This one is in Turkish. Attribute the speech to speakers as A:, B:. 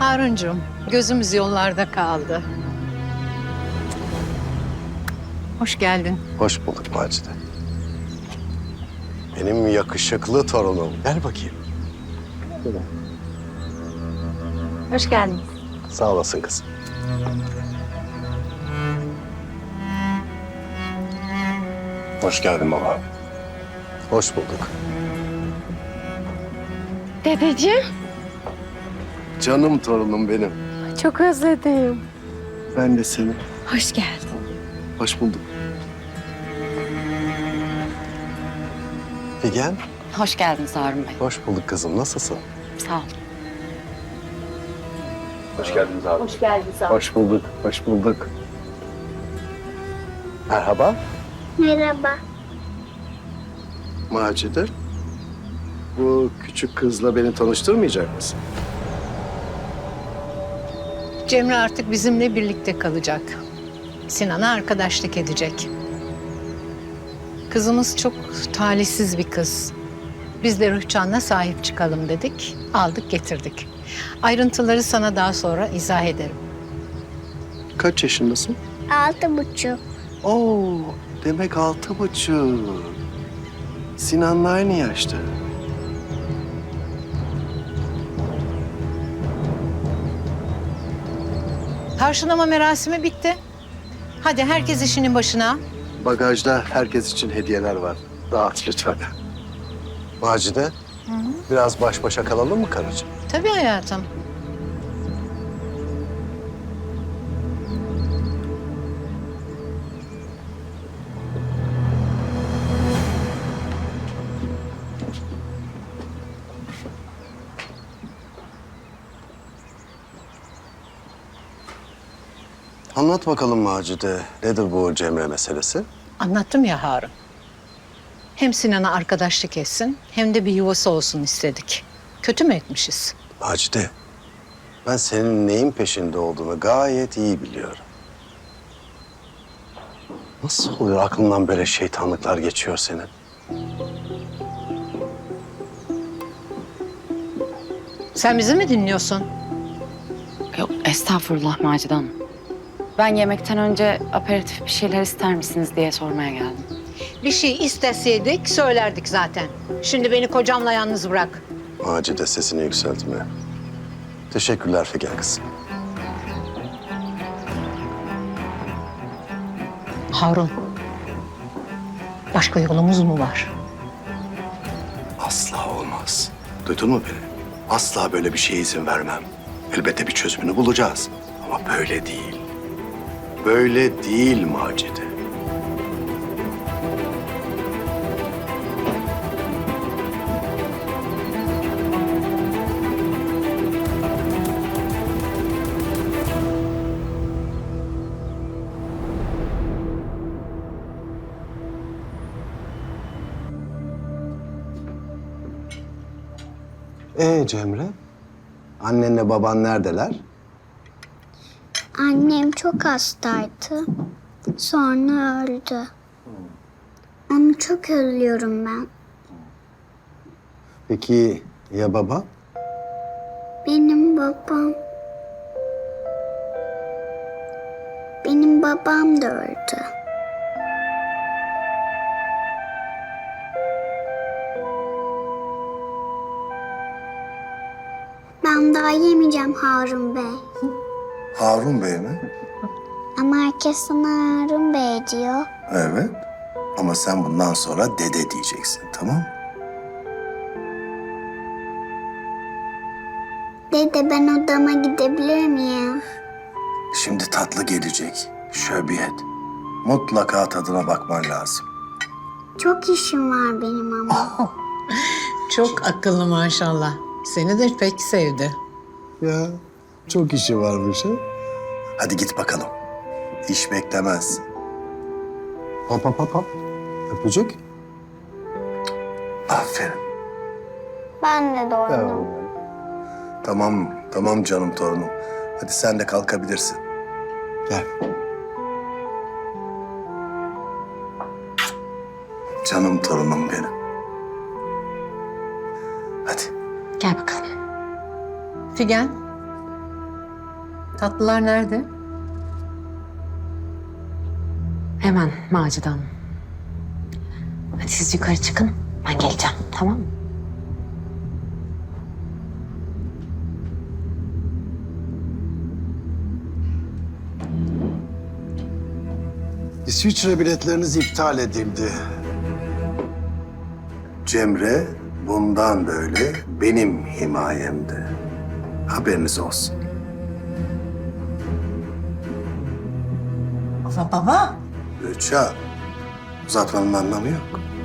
A: Haruncuğum, gözümüz yollarda kaldı. Hoş geldin.
B: Hoş bulduk Macide. Benim yakışıklı torunum. Gel bakayım.
C: Hoş geldiniz.
B: Sağ olasın kızım. Hoş geldin baba. Hoş bulduk.
C: Dedeciğim.
B: Canım torunum benim.
C: Çok özledim.
B: Ben de seni.
C: Hoş geldin.
B: Hoş bulduk. Figen.
C: Hoş geldiniz Harun Bey.
B: Hoş bulduk kızım. Nasılsın?
C: Sağ olun.
B: Hoş geldiniz abi.
C: Hoş geldiniz abi.
B: Hoş bulduk. Hoş bulduk. Merhaba.
D: Merhaba.
B: Macide. Bu küçük kızla beni tanıştırmayacak mısın?
A: Cemre artık bizimle birlikte kalacak. Sinan'a arkadaşlık edecek. Kızımız çok talihsiz bir kız. Biz de Rühcan'la sahip çıkalım dedik. Aldık getirdik. Ayrıntıları sana daha sonra izah ederim.
B: Kaç yaşındasın?
D: 6,5.
B: Oo, demek 6,5. Sinan'la aynı yaşta.
A: Karşılama merasimi bitti. Hadi herkes işinin başına.
B: Bagajda herkes için hediyeler var. Dağıt lütfen. Macide, biraz baş başa kalalım mı karıcığım?
A: Tabii hayatım.
B: Anlat bakalım Macide, nedir bu Cemre meselesi?
A: Anlattım ya Harun. Hem Sinan'a arkadaşlık etsin hem de bir yuvası olsun istedik. Kötü mü etmişiz?
B: Macide, ben senin neyin peşinde olduğunu gayet iyi biliyorum. Nasıl oluyor aklından böyle şeytanlıklar geçiyor senin?
A: Sen bizi mi dinliyorsun?
C: Yok estağfurullah Macide Hanım. Ben yemekten önce aperatif bir şeyler ister misiniz diye sormaya geldim.
A: Bir şey isteseydik söylerdik zaten. Şimdi beni kocamla yalnız bırak.
B: Macide sesini yükseltme. Teşekkürler Figen kızım.
A: Harun, başka yolumuz mu var?
B: Asla olmaz. Duydun mu beni? Asla böyle bir şeye izin vermem. Elbette bir çözümünü bulacağız. Ama böyle değil. Böyle değil Macide. Cemre? Annenle baban neredeler?
D: Annem çok hastaydı. Sonra öldü. Onu çok özlüyorum ben.
B: Peki ya baba?
D: Benim babam... Benim babam da öldü. Ben daha yemeyeceğim Harun Bey.
B: Harun Bey mi?
D: Ama herkes sana Harun Bey diyor.
B: Evet. Ama sen bundan sonra dede diyeceksin, tamam mı?
D: Dede ben odama gidebilir miyim?
B: Şimdi tatlı gelecek. Şöbiyet. Mutlaka tadına bakman lazım.
D: Çok işim var benim ama.
A: Çok akıllı maşallah. Seni de pek sevdi.
B: Ya çok işi varmış ha. Hadi git bakalım. İş beklemez. Hop hop hop hop. Öpücük. Aferin.
D: Ben de doydum.
B: Tamam, tamam canım torunum. Hadi sen de kalkabilirsin. Gel. Canım torunum benim. Hadi.
C: Gel bakalım.
A: Figen, Tatlılar nerede?
C: Hemen Macide Hanım. Hadi siz yukarı çıkın. Ben geleceğim. Tamam mı?
B: İsviçre biletleriniz iptal edildi. Cemre bundan böyle benim himayemde. Haberiniz olsun.
E: Ama baba,
B: Rüçhan, uzatmanın anlamı yok.